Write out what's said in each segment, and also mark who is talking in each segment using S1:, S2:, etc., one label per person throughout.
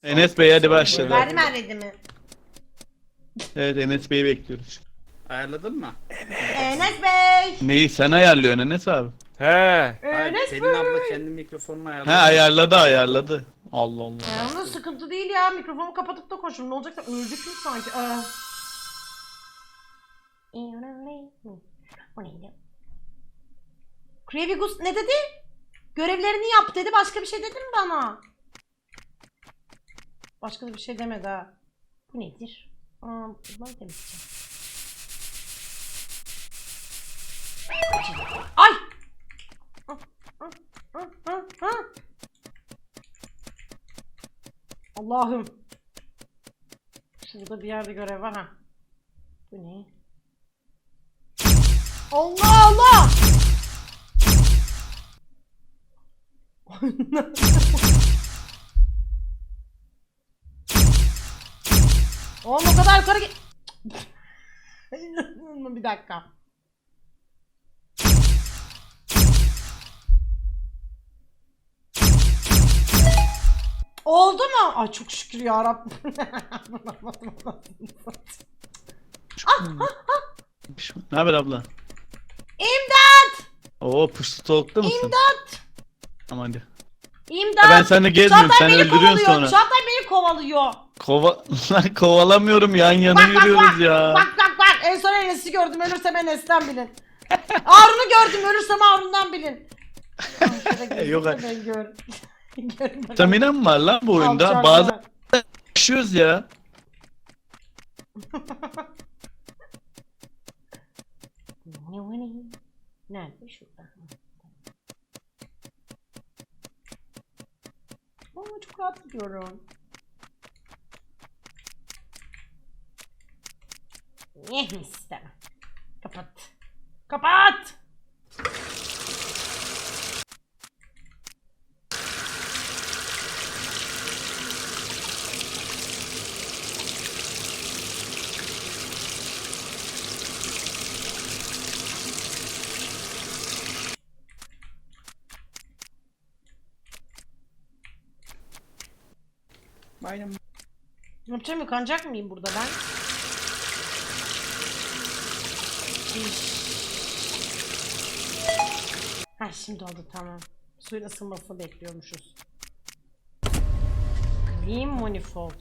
S1: Enes Bey hadi başladı.
S2: Verdim mi?
S1: Evet Enes Bey'i bekliyoruz.
S3: Ayarladın mı?
S2: Enes Bey.
S1: Neyi sen ayarlıyorsun Enes abi?
S4: He.
S3: Hayır,
S2: Enes
S3: senin
S2: Bey.
S3: abla kendi mikrofonunu ayarladı.
S1: Ha ayarladı. Allah Allah.
S2: Onun sıkıntı değil ya. Mikrofonu kapatıp da koşun. Ne olacaksa öldük mü sanki? O neydi? Krevigus ne dedi? Görevlerini yap dedi. Başka bir şey dedi mi bana? Başka da bir şey demedi ha. Bu nedir? Bunları temizleyeceğim. Ay! Allah'ım. Şurada bir yerde görev var ha. Bu ne? Allah Allah! Oğlum o kadar yukarı git. Bir dakika. Oldu mu? Ay çok şükür ya Rabbim.
S1: Ne haber abla?
S2: İmdat!
S1: Oo push talk'ta mısın?
S2: İmdat!
S1: Tamam hadi.
S2: İmdat!
S1: Ben seninle gezmiyorum,
S2: Çağatay
S1: sen
S2: beni
S1: öldürüyorsun
S2: kovalıyor.
S1: sonra.
S2: Çağatay beni kovalıyor.
S1: Lan kovalamıyorum, yan yana
S2: Bak
S1: yürüyoruz ya.
S2: Bak. En son Enes'i gördüm. Ölürsem Enes'ten bilin. Harun'u gördüm. Ölürsem Harun'dan bilin.
S1: Yok,
S2: Ben gör.
S1: Stamina mı var lan bu oyunda?
S2: Alçak
S1: Bazen
S2: var.
S1: yaşıyoruz ya.
S2: Nerede? Şurada. Çok rahat gidiyorum. İstemem. Kapat. Kapat!
S3: Aynen.
S2: Ne yapacağım? Yıkanacak mıyım burada ben? Ha şimdi oldu tamam. Suyun ısınmasını bekliyormuşuz. Green Manifold.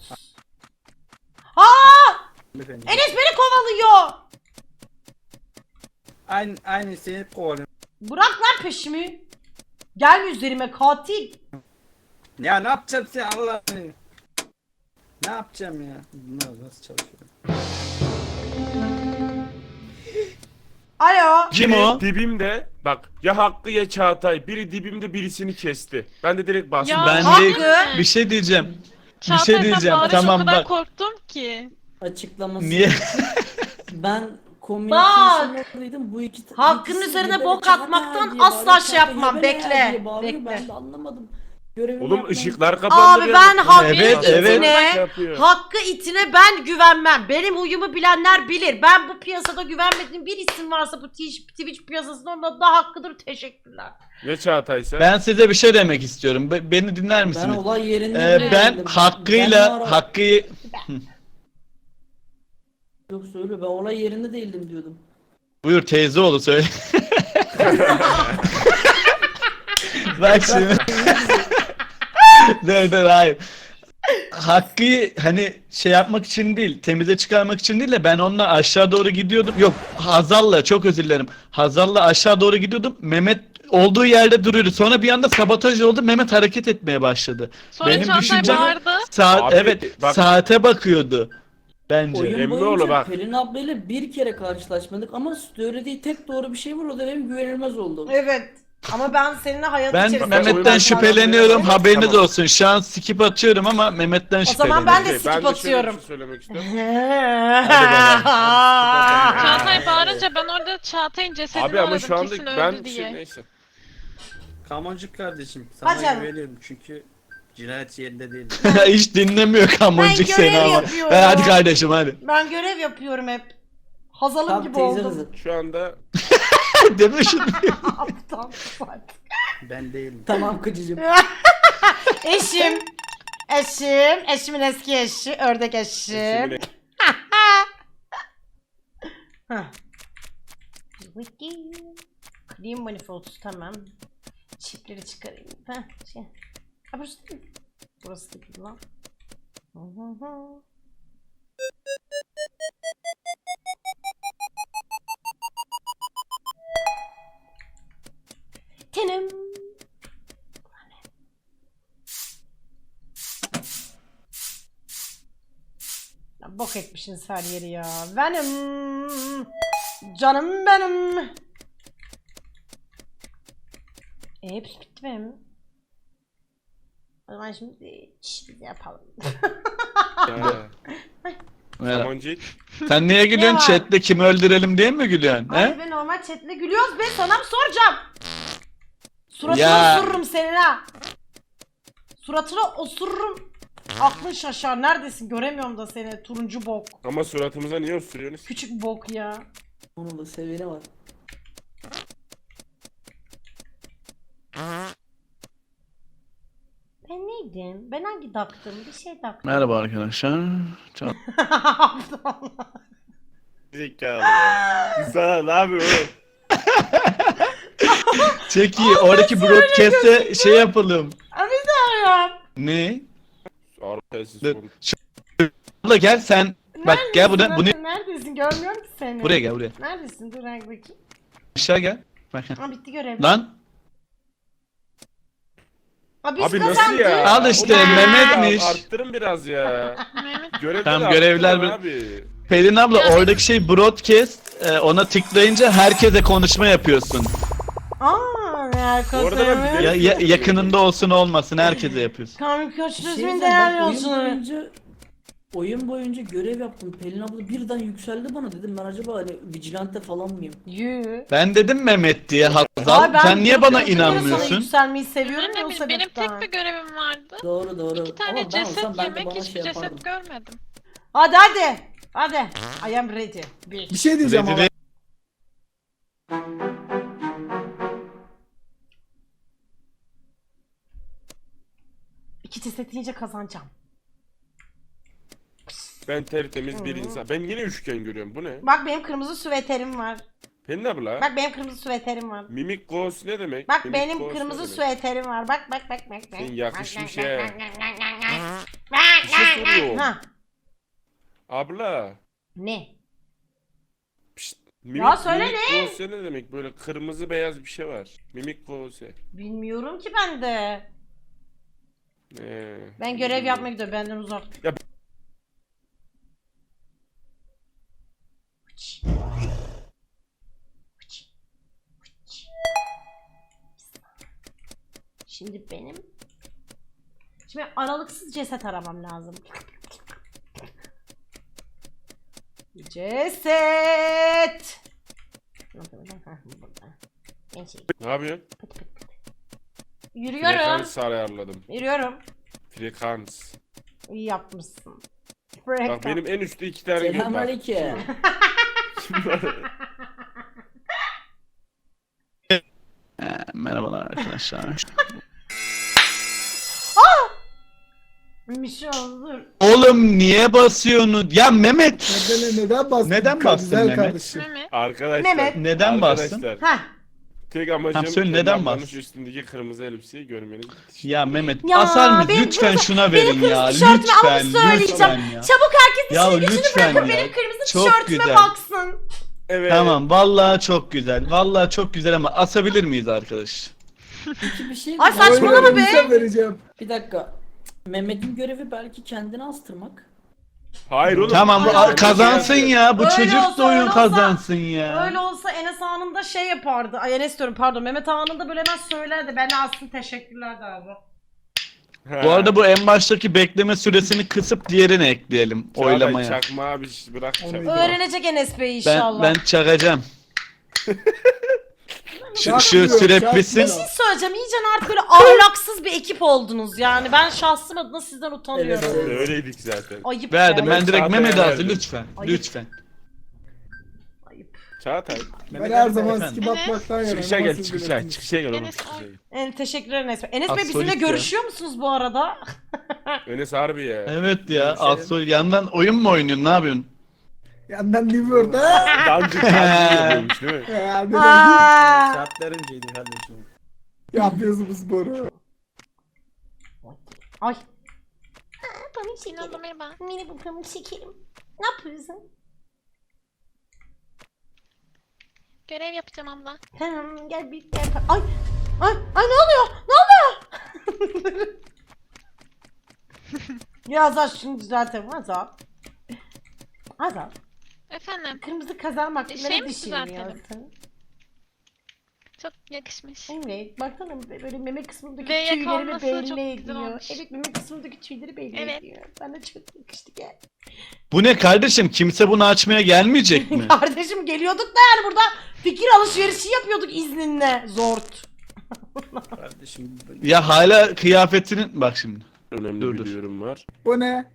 S3: Efendim.
S2: Enes beni kovalıyor.
S3: Aynı seni kovalıyorum.
S2: Bırak lan peşimi. Gelme üzerime katil.
S3: Ya ne yapacağım sen Allah'ını? Ne yapacağım ya? Bunlar nasıl çalışıyor?
S2: Alo.
S1: Kim
S4: Biri
S1: o?
S4: dibimde bak ya Hakkı ya Çağatay. Biri dibimde birisini kesti. Ben de direkt bastım.
S5: Ya,
S1: Ben
S2: Hakkı.
S1: de bir şey diyeceğim.
S5: Çağatay,
S1: şey diyeceğim,
S5: ben
S1: tamam
S5: o kadar
S1: bak.
S5: korktum ki.
S6: Açıklaması.
S1: Niye?
S6: Ben
S2: Bak!
S6: communication'daydım bu iki
S2: Hakkın
S6: ikisi
S2: üzerine
S6: böyle
S2: bok
S6: Çağatay
S2: atmaktan
S6: diye
S2: asla
S6: bağırıyor,
S2: şey yapmam,
S6: Çağatay
S2: bekle,
S6: diye bağırıyor.
S2: bekle.
S6: Ben de anlamadım. Görevimi
S4: Oğlum
S6: yapmam.
S4: ışıklar kapandı.
S2: Abi ben Hakkı
S1: Evet, evet.
S2: itine,
S4: Yapıyor.
S2: Hakkı itine ben güvenmem. Benim huyumu bilenler bilir. Ben bu piyasada güvenmediğim bir isim varsa bu Twitch piyasasında onun adı da Hakkı'dır. Teşekkürler.
S4: Ne Çağatay'sa?
S1: Ben size bir şey demek istiyorum. Beni dinler
S6: Ben
S1: misiniz?
S6: olay yerinde
S1: Ben
S6: değildim.
S1: Hakkı'yla
S6: Ben o ara-
S1: Hakkı'yı
S6: Yok söyle ben olay yerinde değildim diyordum.
S1: buyur teyze oğlu söyle. Bak şimdi. dur hayır. Hakkı'yı hani şey yapmak için değil, temize çıkarmak için değil de ben onunla aşağı doğru gidiyordum. Yok, Hazal'la çok özür dilerim. Hazal'la aşağı doğru gidiyordum. Mehmet olduğu yerde duruyordu. Sonra bir anda sabotaj oldu. Mehmet hareket etmeye başladı.
S5: Sonra
S1: Benim
S5: Çağatay
S1: düşüncem-
S5: bağırdı.
S1: Saat
S4: Abi,
S1: evet,
S4: bak-
S1: saate bakıyordu. Bence.
S6: Oyun
S4: Emre oğlu
S6: boyunca
S4: bak.
S6: Pelin ablayla bir kere karşılaşmadık ama söylediği tek doğru bir şey var o da benim güvenilmez oldum.
S2: Evet. Ama ben seninle hayat
S1: Ben
S2: içerisinde...
S1: Mehmet'ten
S4: oyun-
S1: şüpheleniyorum.
S4: Tamam.
S1: Haberiniz olsun. Şu an skip atıyorum ama Mehmet'ten
S2: O zaman
S1: şüpheleniyorum.
S2: ben de skip
S4: şöyle bir
S2: atıyorum.
S4: şey söylemek istiyorum.
S5: Çağatay bağırınca ben orada Çağatay'ın cesedini
S4: Abi ama
S5: aradım
S4: şu anda
S5: kesin
S4: ben
S5: öldü diye.
S4: neyse.
S3: Kamoncuk kardeşim sana
S2: Hadi canım.
S3: güveniyorum çünkü cinayet yerinde değil.
S1: Hiç dinlemiyor kamoncuk
S2: Ben
S1: seni
S2: görev
S1: ama.
S2: yapıyorum.
S1: Hadi kardeşim hadi.
S2: Ben görev yapıyorum hep. Hazalım
S6: Tam
S2: gibi
S6: teyze
S2: oldum.
S6: kızı.
S4: Şu anda
S1: Deme şunu.
S2: Aptal.
S3: Ben değilim.
S6: Tamam kıcıcım.
S2: Eşim. Eşim, eşimin eski eşi, ördek eşim.
S4: Eşimin
S2: Hah. Clean manifold, tamam. Çipleri çıkarayım. Şey. Ha, burası değil mi? Burası değil lan. Tenim. Ya bok etmişsiniz her yeri ya. Benim. Canım benim. Hepsi bitti benim. O zaman şimdi biz yapalım.
S1: Merhaba.
S4: Samancık.
S1: Sen niye gülüyorsun?
S2: Ne var?
S1: Chat'te kimi öldürelim diye mi gülüyorsun?
S2: Hayır
S1: He?
S2: be, normal chatle gülüyoruz be, sana mı soracağım? Suratını
S1: Ya.
S2: osururum senin ha. Suratını osururum. Aklın şaşar. Neredesin? Göremiyorum da seni. Turuncu bok.
S4: Ama suratımıza niye osuruyorsunuz?
S2: Küçük bok ya.
S6: Onun da seviyene var.
S2: Ben neydim? Ben hangi daktım? Bir şey daktım.
S1: Merhaba arkadaşlar. Çok...
S4: Zekalı ya. Sana ne yapıyor oğlum?
S1: Çok iyi. Oradaki broadcast'e şey yapalım.
S2: Abi
S1: Ne?
S4: Arkadaşsız
S1: Dur.
S4: konuş.
S1: Abla gel sen. Bak gel buradan. Bunu
S2: Neredesin? Görmüyorum ki seni.
S1: buraya gel buraya.
S2: Neredesin? Dur hangi bakayım.
S1: Aşağı gel. Bak.
S2: Ha, bitti görev.
S1: Lan
S2: Abi,
S4: Abi
S2: biz
S4: nasıl
S2: kazandık.
S4: ya?
S1: Al işte,
S4: Oğlum,
S1: Mehmet'miş.
S4: ya, arttırın biraz ya.
S5: Mehmet
S4: Görevleri
S1: Tamam, görevler
S4: arttırın
S1: bir-
S4: abi.
S1: Pelin abla
S5: Ya
S1: oradaki şey broadcast. Ona tıklayınca herkese konuşma yapıyorsun.
S2: Aaa ne
S4: Orada ben
S2: alakası?
S4: bilerek-
S1: Yakınında olsun olmasın herkese yapıyorsun.
S2: Kamil koç
S6: Bir şey
S2: düzgün
S6: diyeceğim,
S2: değerli
S6: ben
S2: olsun.
S6: oyun boyunca görev yaptım. Pelin abla birden yükseldi bana, dedim ben acaba hani vigilante falan mıyım?
S2: Yü.
S1: Ben dedim Mehmet diye
S2: Ay,
S1: Hazal.
S2: ben
S1: Sen niye bana
S2: durduk yere Sana
S1: inanmıyorsun?
S2: yükselmeyi seviyorum
S5: Ben
S2: ya
S5: de
S2: o
S5: bileyim, benim
S2: sebepten.
S5: tek bir görevim vardı.
S6: Doğru.
S5: 2 tane
S6: Ama ben
S5: ceset
S6: olsam ben de
S5: yemek,
S6: bana
S5: hiçbir
S6: şey
S5: ceset
S6: yapardım.
S5: görmedim.
S2: Hadi. Hadi. I am ready.
S7: Bir şey diyeceğim ama.
S1: Rezil-
S2: İki ceset yiyince kazanacağım.
S4: Ben tertemiz bir insan. Ben yine üçgen görüyorum. Bu ne?
S2: Bak benim kırmızı süveterim var.
S4: Pelin abla.
S2: Bak benim kırmızı süveterim var.
S4: Mimik ghost ne demek?
S2: Bak
S4: Mimik
S2: benim
S4: ghost
S2: kırmızı
S4: ne demek?
S2: süveterim var. Bak.
S4: Sen yakışmış ya.
S2: Bak.
S4: Bir şey soruyorum.
S2: Ha.
S4: Abla.
S2: Ne?
S4: Pişt, mimik,
S2: Ya söyle
S4: mimik
S2: ne?
S4: ghost ne demek? Böyle kırmızı beyaz bir şey var. Mimik ghost.
S2: Bilmiyorum ki ben de. Ben görev
S4: bilmiyorum.
S2: yapmaya gidiyorum. Benden uzak.
S4: Ya-
S2: Şimdi Şimdi aralıksız ceset aramam lazım. Ceset.
S4: Ne yapıyorsun?
S2: Yürüyorum.
S4: Frekans ayarladım.
S2: Yürüyorum.
S4: Frekans.
S2: İyi yapmışsın.
S4: Bak benim en üstte 2 tane gün var.
S6: Selamünaleyküm.
S1: Merhabalar arkadaşlar.
S2: Bir şey olur.
S1: Oğlum niye basıyorsun? Ya Mehmet.
S7: Neden bastın?
S1: Neden bastın
S7: Güzel
S1: Mehmet?
S7: kardeşim.
S5: Mehmet.
S4: Arkadaşlar.
S2: Mehmet.
S1: Neden bastın?
S4: Arkadaşlar.
S2: Heh.
S4: Tek amacım
S1: Tamam, söyle,
S4: Pelin
S1: neden
S4: ablanın
S1: bastın?
S4: üstündeki kırmızı elbiseyi görmeniz.
S1: Ya Mehmet
S2: Ya,
S1: asar mıyız?
S2: benim
S1: Lütfen
S2: kırmızı-
S1: şuna
S2: benim
S1: verin
S2: kırmızı
S1: ya.
S2: tişörtümü
S1: Lütfen.
S2: alıp söyleyeceğim.
S1: Lütfen ya.
S2: Çabuk herkes
S1: Ya
S2: işini gücünü
S1: lütfen
S2: bırakıp
S1: ya.
S2: benim kırmızı
S1: Çok
S2: tişörtüme
S1: güzel.
S2: baksın.
S4: Evet.
S1: Tamam vallahi çok güzel. Vallahi çok güzel ama asabilir miyiz arkadaş?
S6: Peki bir şey
S2: Ay
S6: diyeceğim.
S2: saçmalama
S7: Öyle
S2: be.
S7: elbise vereceğim.
S6: Bir dakika. Mehmet'in görevi belki kendini astırmak.
S4: Hayır oğlum.
S1: Tamam bu
S2: Ay,
S1: kazansın ya. Bu
S2: Öyle
S1: çocuk
S2: olsa,
S1: da oyun
S2: öyle olsa-
S1: kazansın ya.
S2: Öyle olsa Enes anında şey yapardı. Ay Enes diyorum pardon. Mehmet anında böyle hemen söylerdi. Ben aslında teşekkürler de abi.
S4: Ha.
S1: Bu arada bu en baştaki bekleme süresini kısıp diğerini ekleyelim
S4: Çağatay,
S1: oylamaya.
S4: Çakmağı bir bırak
S7: Onu
S4: çakmağı.
S2: Öğrenecek Enes Bey
S1: Ben
S2: inşallah.
S1: ben çakacağım. şu
S7: Çakmıyor,
S1: süre
S7: çakmıyor.
S1: bitsin.
S2: Bir şey söyleyeceğim. İyice artık böyle ahlaksız bir ekip oldunuz yani. Ben şahsım adına sizden utanıyorum.
S6: Evet, evet.
S4: Öyleydik zaten.
S2: Ayıp
S1: Verdim
S2: be.
S1: ben direkt
S4: Çağatay'a
S1: Mehmet'e
S4: verdim.
S1: lütfen.
S2: Ayıp.
S1: Lütfen.
S2: Ayıp.
S4: Çağatay.
S3: Mehmet
S7: Ben her
S3: Ali
S7: zaman
S1: Efendim?
S7: skip atmaktan yanayım.
S4: Çıkışa
S7: ama
S4: gel
S7: siz
S4: çıkışa.
S7: bilirsiniz.
S4: Çıkışa gel oğlum.
S5: Enes
S4: çıkışa
S5: o-
S4: gel.
S2: Teşekkürler Enes Bey. Enes Bey
S1: Astrolist
S2: bizimle
S1: ya.
S2: görüşüyor musunuz bu arada?
S4: Enes harbi ya.
S1: Evet ya.
S3: Görüşelim.
S1: Asıl yandan oyun mu oynuyorsun? Ne yapıyorsun?
S7: Yandan Liver'da.
S4: Dancı yapıyormuş değil mi?
S7: Yani
S2: Aa!
S3: Şartlarıncaydı kardeşim.
S7: yapıyorsun bu sporu.
S2: Ay.
S5: Pamuk Sinan merhaba.
S2: Merhaba pamuk şekerim. Ne yapıyorsun?
S5: Görev yapacağım abla.
S2: Tamam gel bir gel. Ay. Ay ne oluyor? Ne oluyor? Ya Azal şunu düzeltelim Azal. Azal.
S5: Efendim.
S2: Kırmızı kazan bak.
S5: Şey
S2: Nereye
S5: mi
S2: düşünüyorsun?
S5: Çok yakışmış.
S2: Evet. Baksana böyle meme kısmındaki
S5: Ve
S2: tüylerimi
S5: yakalanması
S2: belli
S5: çok güzel
S2: ediyor.
S5: olmuş.
S2: Evet meme kısmındaki tüyleri belli
S5: Evet.
S2: ediyor. Bana çok yakıştı gel.
S1: Bu ne kardeşim? Kimse bunu açmaya gelmeyecek mi?
S2: Kardeşim geliyorduk da yani burada fikir alışverişi yapıyorduk izninle. Zort.
S3: Kardeşim.
S1: Ya hala kıyafetinin... Bak şimdi.
S4: Önemli
S1: Dur,
S4: bir
S1: dur.
S4: duyurum var.
S7: Bu ne?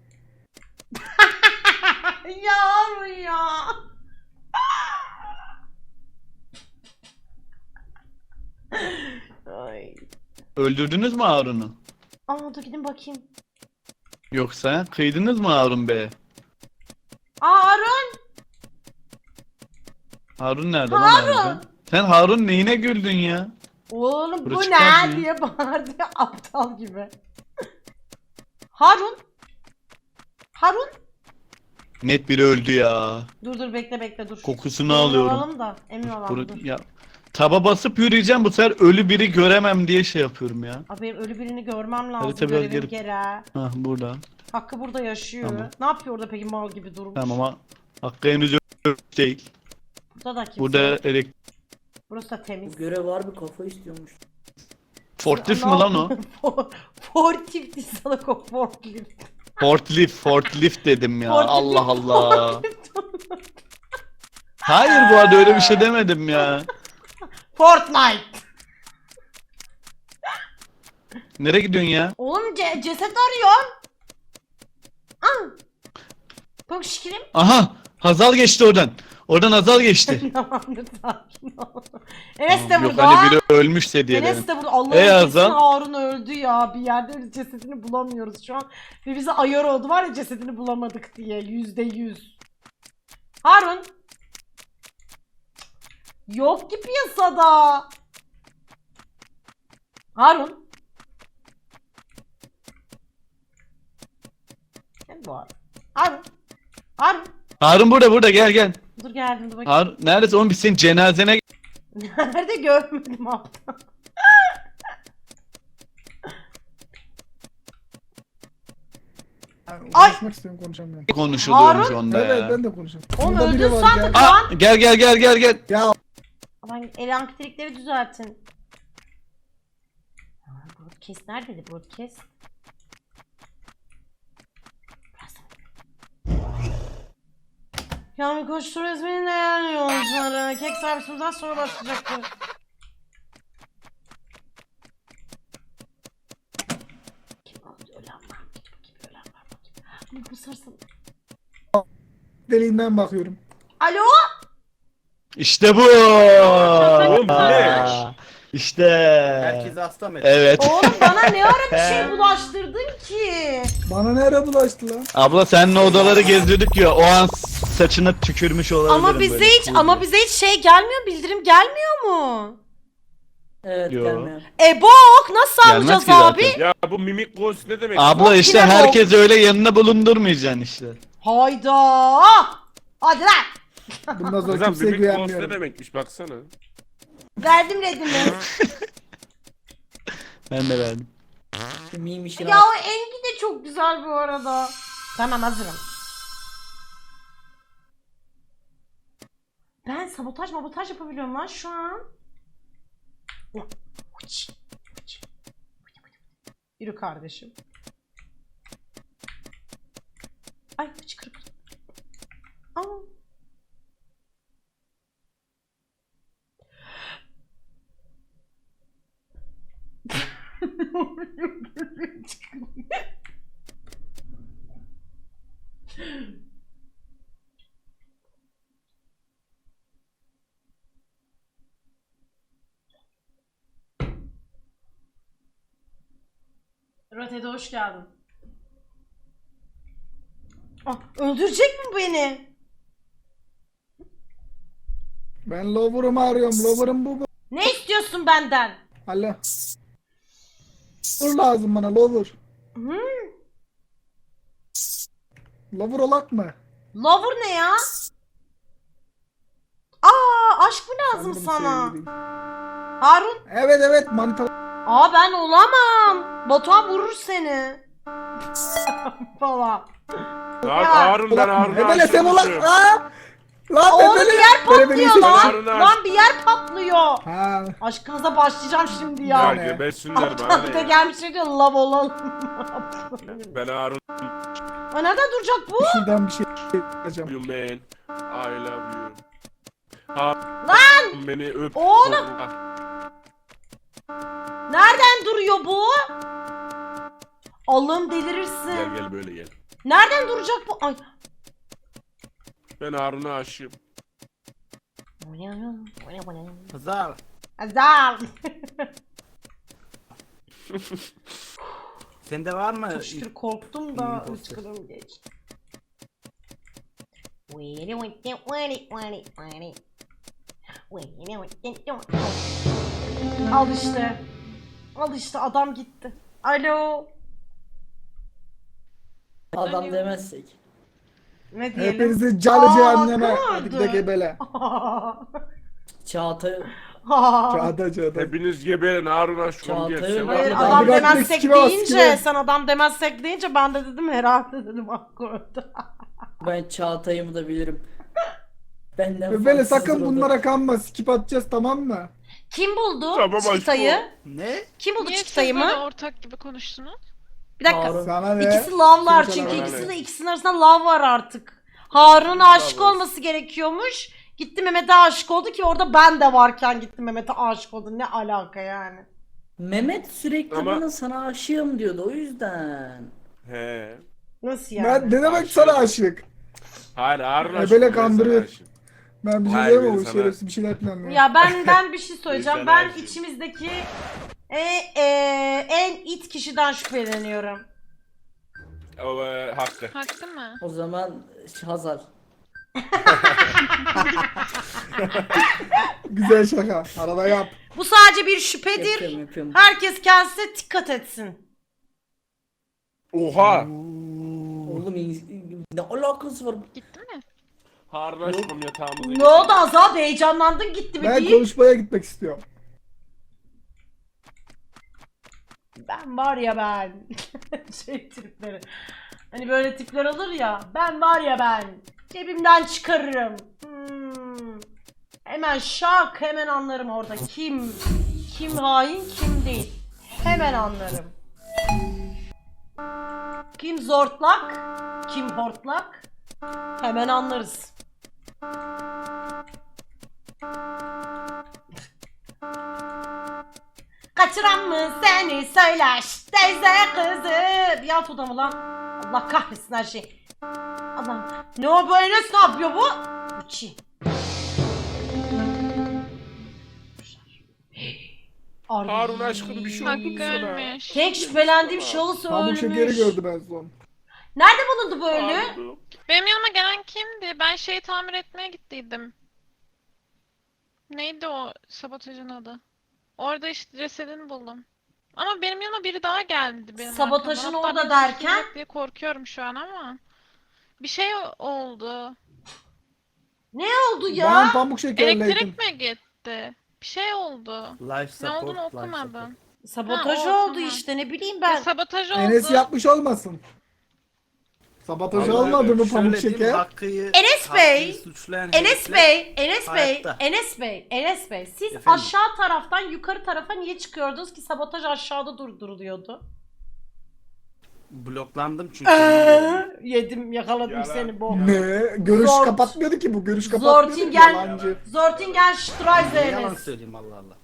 S2: ya. Ay.
S1: Öldürdünüz mü Harun'u?
S2: Aa dur gidin bakayım.
S1: Yoksa kıydınız mı Harun Bey'e?
S2: Harun.
S1: Harun nerede lan
S2: Harun!
S1: harbiden? Sen Harun neyine güldün ya?
S2: Oğlum bu
S1: Burası
S2: ne
S1: çıkmaz mı?
S2: diye bağırdı ya, aptal gibi. Harun. Harun.
S1: Net biri öldü ya.
S2: Dur bekle dur.
S1: Kokusunu
S2: Emin
S1: alıyorum.
S2: olalım da. Emin olalım dur.
S1: Ya taba basıp yürüyeceğim, bu sefer ölü biri göremem diye şey yapıyorum ya.
S2: Abi benim ölü birini görmem lazım.
S1: Hadi tabii,
S2: Görevim
S1: gelip-
S2: gereği.
S1: Hah burada.
S2: Hakkı burada yaşıyor.
S1: Tamam.
S2: Ne yapıyor orada peki mal gibi durmuş?
S1: Tamam ama Hakkı henüz ölü değil.
S2: Burada da kimse
S1: Burada
S2: yok. Burası da
S6: Bu
S2: temiz.
S6: görev var bir kafa istiyormuş.
S1: Forklift mi lan o?
S2: Forklift değil salak o forklift.
S1: Forklift dedim ya.
S2: Forklift,
S1: Allah Allah.
S2: forklift.
S1: Hayır bu arada öyle bir şey demedim ya.
S2: Fortnite.
S1: Nereye gidiyorsun ya?
S2: Oğlum ceset arıyorum. Bak şekerim.
S1: Aha! Hazal geçti oradan. Oradan Hazal geçti.
S2: Tamamdır sakin ol. Enes de
S1: Yok
S2: burada.
S1: hani biri ölmüşse diye
S2: Enes
S1: dedim.
S2: de burada. Allah'ım
S1: Ey
S2: kesin
S1: Azam.
S2: Harun öldü ya. Bir yerde öyle cesedini bulamıyoruz şu an. Ve bize ayar oldu var ya cesedini bulamadık diye. %100. Harun. Yok ki piyasada. Harun. Ne bu Harun? Harun. Harun.
S1: Harun burada gel gel.
S2: Dur geldim dur bakayım.
S1: Harun neredesin oğlum, biz senin cenazene
S2: Nerede görmedim aptal.
S7: Yani
S2: Ay!
S7: konuşmak istiyorum konuşamıyorum.
S1: konuşuluyormuş
S2: Harun?
S1: onda
S7: Evet
S1: ya.
S7: ben de konuşuyorum.
S2: Oğlum
S7: Burada biri
S2: öldün
S7: var,
S2: sandık
S7: gel.
S2: lan.
S1: Gel.
S2: Aman elektrikleri düzeltin. Broadcast neredeydi broadcast? Yani koştur İzmir'in değerli yolcuları. Kek servisimizden sonra başlayacaktı. Kim aldı? Ölen var mı? Kim ölen var mı? Ama bu sarsın.
S7: Deliğinden bakıyorum.
S2: Alo?
S1: İşte bu.
S4: Oğlum bu ne?
S1: Aa, İşte.
S3: Herkese hasta mı?
S1: Evet.
S2: Oğlum bana ne ara bir şey bulaştırdın ki?
S7: Bana ne ara bulaştı lan?
S1: Abla seninle odaları gezdirdik ya, o an saçına tükürmüş olabilirim.
S2: Ama bize
S1: böyle.
S2: hiç şey gelmiyor, bildirim gelmiyor mu?
S6: Evet
S1: Yo.
S6: gelmiyor.
S2: Bok nasıl
S1: Gelmez
S2: alacağız
S1: ki
S2: abi?
S1: zaten.
S4: Ya bu mimik ghost ne demek?
S1: Abla
S2: Bok
S1: işte
S2: yine bok.
S1: herkes öyle yanına bulundurmayacaksın işte.
S2: Hayda! Hadi lan!
S7: Bundan sonra
S4: Kızım
S7: kimseye
S4: mimik ghost ne
S7: güvenmiyorum.
S4: demekmiş baksana.
S2: Verdim redimi.
S1: Ben de verdim.
S6: Şu meme işini
S2: Ya o Engi de çok güzel bu arada. Tamam hazırım. Ben sabotaj yapabiliyorum lan şu an. Yürü kardeşim. Ay fıçkırık. Aa. Evet Ede hoş geldin. Ah, öldürecek mi beni?
S7: Ben lover'ımı arıyorum. Lover'ım bu.
S2: Ne istiyorsun benden?
S7: Alo. Lover lazım bana lover.
S2: Hı?
S7: Lover olak mı?
S2: Lover ne ya? Aa, aşk mı lazım
S7: Sanırım
S2: sana?
S7: sevgili.
S2: Harun?
S7: Evet manita.
S2: Aa ben olamam. Batuhan vurur seni. Falan.
S4: Lan
S2: Ya.
S4: Harun ben Harun'a
S7: Ebele sen olak.
S4: aşığım.
S7: Aa! Lan
S2: Oğlum
S7: ebele.
S2: bir yer patlıyor lan.
S4: Harun'a
S2: Lan bir yer patlıyor.
S7: Ha.
S2: Aşkınıza başlayacağım şimdi
S4: Ya
S2: ya.
S7: ne?
S4: gebersinler bana
S2: Bir
S4: ne
S2: de
S4: ya.
S2: gelmiş diyor lav olalım.
S4: Ben Harun
S2: Aa, nereden duracak bu?
S7: Şuradan bir şey yapacağım.
S4: you man. I love you. Harun
S2: Lan!
S4: beni öp.
S2: Oğlum!
S4: Kokla.
S2: Nereden duruyor bu? Allah'ım delirirsin.
S4: Gel böyle gel.
S2: Nereden duracak bu? Ay.
S4: Ben Harun'a aşığım.
S3: Hazal.
S2: Azal.
S3: Sende var mı?
S2: Şükür korktum da
S3: İyi,
S2: ıskırım geçti. Al işte. Al işte adam gitti. Alo.
S6: Adam demezsek.
S2: Ne diyelim?
S7: Hepinizi calı
S2: Aa,
S7: cehenneme.
S2: hakkı
S7: Hadi
S2: vardı.
S7: de gebele.
S6: Çağatay
S7: Çağda.
S4: Hepiniz geberin Harun aşkım
S6: Çağatay
S4: gel. Sen
S2: Hayır
S4: bak.
S7: Abi
S2: adam
S7: bak,
S2: demezsek
S7: sikime bak,
S2: deyince
S7: sikime.
S2: sen adam demezsek deyince ben de dedim herhalde dedim hakkı orada.
S6: ben Çağatay'ımı da bilirim. Benden
S7: Ebele
S6: farksızdır
S7: sakın
S6: o da.
S7: bunlara kanma. Skip atacağız tamam mı?
S2: Kim buldu
S4: Tamam,
S2: çıktayı?
S3: Ne?
S2: Kim buldu
S5: Niye siz
S2: çıktayı
S5: böyle
S2: mı?
S5: ortak gibi konuştunuz?
S2: Bir dakika.
S6: Harun.
S7: Sana ne?
S2: İkisi lavlar
S7: Kim
S2: çünkü
S7: sana ne?
S2: ikisinin arasında lav var artık. Harun'a aşık
S4: var.
S2: olması gerekiyormuş. Gitti Mehmet'e aşık oldu ki orada ben de varken gitti Mehmet'e aşık oldu. Ne alaka yani?
S6: Mehmet sürekli
S4: Ama-
S6: bana sana aşığım diyordu o yüzden.
S4: He.
S2: Nasıl yani?
S7: Ben ne demek
S4: Aşık.
S7: sana aşık?
S4: Hayır Harun
S7: Ebele
S4: aşkım. ben
S7: kandırıyor.
S4: sana aşığım.
S7: Ben bir şey
S4: Hayır,
S7: diyemem
S4: ben
S7: o
S4: sana-
S7: şerefsiz bir şeyler planlıyor.
S2: Ya ben bir şey söyleyeceğim.
S4: Bizden
S2: Ben
S4: aşığım.
S2: içimizdeki en it kişiden şüpheleniyorum.
S4: O hakkı.
S5: Hakkı mı?
S6: O zaman Hazal.
S7: Güzel şaka. Arada yap.
S2: Bu sadece bir şüphedir.
S6: Yapıyorum.
S2: Herkes kendisine dikkat etsin.
S4: Oha.
S6: Oğlum ne alakası var?
S5: Gitti mi?
S4: Harun aşkım yatağımıza
S2: Ne oldu Azal? Heyecanlandın gitti mi
S7: Ben
S2: değil?
S7: konuşmaya gitmek istiyorum.
S2: Ben var ya ben. Şey tipleri. Hani böyle tipler olur ya. Ben var ya ben. Cebimden çıkarırım. Hemen şak hemen anlarım orada. Kim hain kim değil. Hemen anlarım. Kim zortlak, kim hortlak. Hemen anlarız. Kaçıran mı seni söyler teyze kızı. Yalt odamı lan. Allah kahretsin her şey. Allah. Ne o böyle ne yapıyor bu? Uçi.
S4: Harun aşkım bir şey oldu
S5: Hakkı
S4: sana.
S5: ölmüş.
S2: Tek şüphelendiğim şahıs
S7: Pamuk şekeri
S2: ölmüş.
S7: gördüm en son.
S2: Nerede bulundu bu ölü?
S4: Harun.
S5: Benim yanıma gelen kimdi? Ben şeyi tamir etmeye gittiydim. Neydi o sabotajın adı? Orada işte cesedini buldum. Ama benim yanıma biri daha geldi benim
S2: Sabotajın
S5: arkamdan. Hatta
S2: orada
S5: beni
S2: derken?
S5: suçlayacak diye korkuyorum şu an ama. Bir şey oldu.
S2: Ne oldu ya?
S7: Ben pamuk şekerleydim.
S5: Elektrik mi gitti? Bir şey oldu.
S3: Life
S5: Ne
S3: support.
S5: olduğunu
S3: life
S5: okumadım.
S2: Sabotaj
S5: Ha, o,
S2: oldu
S5: tamam.
S2: işte ne bileyim
S5: Ben...
S2: ben.
S5: Sabotaj oldu.
S7: Enes yapmış olmasın. Sabotajı
S4: Vallahi
S7: olmadı mı
S3: support.
S7: pamuk
S3: Şöyle diyeyim,
S7: şeker?
S3: Hakkı'yı,
S2: Enes Bey,
S3: Hakkı'yı suçlayan
S2: Enes
S3: herifler-
S2: Bey, Enes Bey,
S3: hayatta.
S2: Enes Bey. Siz
S3: Efendim?
S2: aşağı taraftan yukarı tarafa niye çıkıyordunuz ki sabotaj aşağıda durduruluyordu?
S3: Bloklandım çünkü.
S2: Yedim yakaladım
S4: Yalan.
S2: seni bu.
S7: Ne? Görüş
S2: Zort.
S7: kapatmıyordu ki bu. Görüş kapatmıyordu ki
S2: Zortingen,
S7: yalancı.
S2: Zortingen
S3: Ne yalan
S2: Streisand.
S3: söyleyeyim Allah Allah.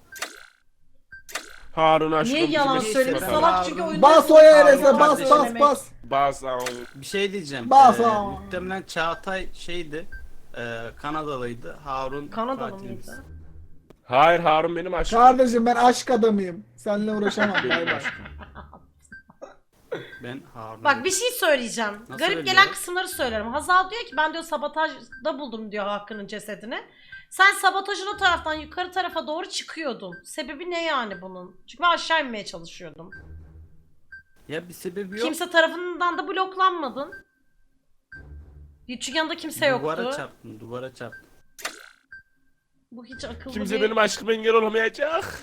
S4: Harun aşkım.
S2: Niye yalan
S4: bizim
S2: söyledi?
S4: hiç
S2: Salak çünkü oyunda...
S7: Bas o Enes'e
S3: Harun
S7: bas
S3: kardeşim.
S7: bas.
S4: Bas al.
S3: Bir şey diyeceğim.
S7: Bas
S3: Ee,
S7: ha.
S3: muhtemelen Çağatay şeydi. Kanadalıydı. Harun
S2: Kanadalı
S3: katilimiz.
S2: mıydı?
S4: Hayır Harun benim aşkım.
S7: Kardeşim ben aşk adamıyım. Seninle uğraşamam. Bay bay.
S3: Ben Harun.
S2: Bak bir şey söyleyeceğim.
S3: Nasıl
S2: Garip
S3: öyle
S2: gelen
S3: ya?
S2: kısımları söylerim. Hazal diyor ki ben diyor sabotajda buldum diyor Hakkı'nın cesedini. Sen sabotajın o taraftan yukarı tarafa doğru çıkıyordun. Sebebi ne yani bunun? Çünkü ben aşağı inmeye çalışıyordum.
S3: Ya bir sebebi yok.
S2: Kimse tarafından da bloklanmadın. Çünkü yanında kimse yoktu.
S3: Duvara çarptım.
S2: Bu hiç akıllı
S4: Kimse
S2: değil.
S4: benim aşkıma engel olamayacak.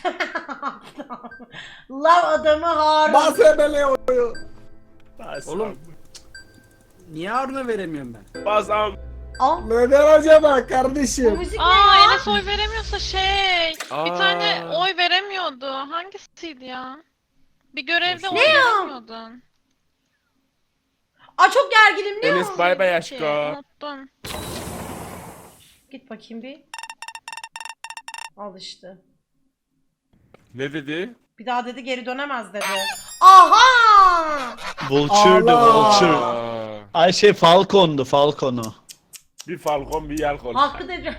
S2: Lav adamı Harun.
S7: Bahsedele oyu.
S3: Oğlum. Niye Harun'a veremiyorum ben?
S4: Bazam.
S2: Al.
S7: Neden acaba
S2: Bu
S7: kardeşim?
S2: müzik ne
S5: Aa
S2: ya?
S5: Enes oy veremiyorsa bir tane oy veremiyordu. Hangisiydi ya? Bir görevde oy veremiyordun.
S2: Aa çok gerginim ne
S4: Enes
S2: o?
S4: bay bay
S5: Ki,
S4: aşkım.
S5: unuttum.
S2: Git bakayım bir. Al işte.
S4: Ne dedi?
S2: Bir daha dedi geri dönemez dedi. Aha!
S1: Vulture'du
S7: Allah!
S1: Vulture.
S4: Aa,
S1: Ay şey Falcon'du Falcon'u.
S4: bir falcon bir yelkon.
S2: Hakkı dedi.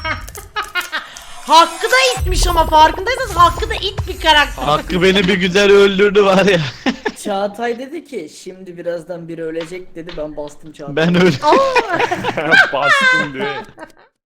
S2: Hakkı da itmiş ama farkındaysanız Hakkı da it bir karakter.
S1: Hakkı beni bir güzel öldürdü var ya.
S6: Çağatay dedi ki şimdi birazdan biri ölecek dedi, ben bastım Çağatay.
S1: Ben öyle.
S4: Bastım diye.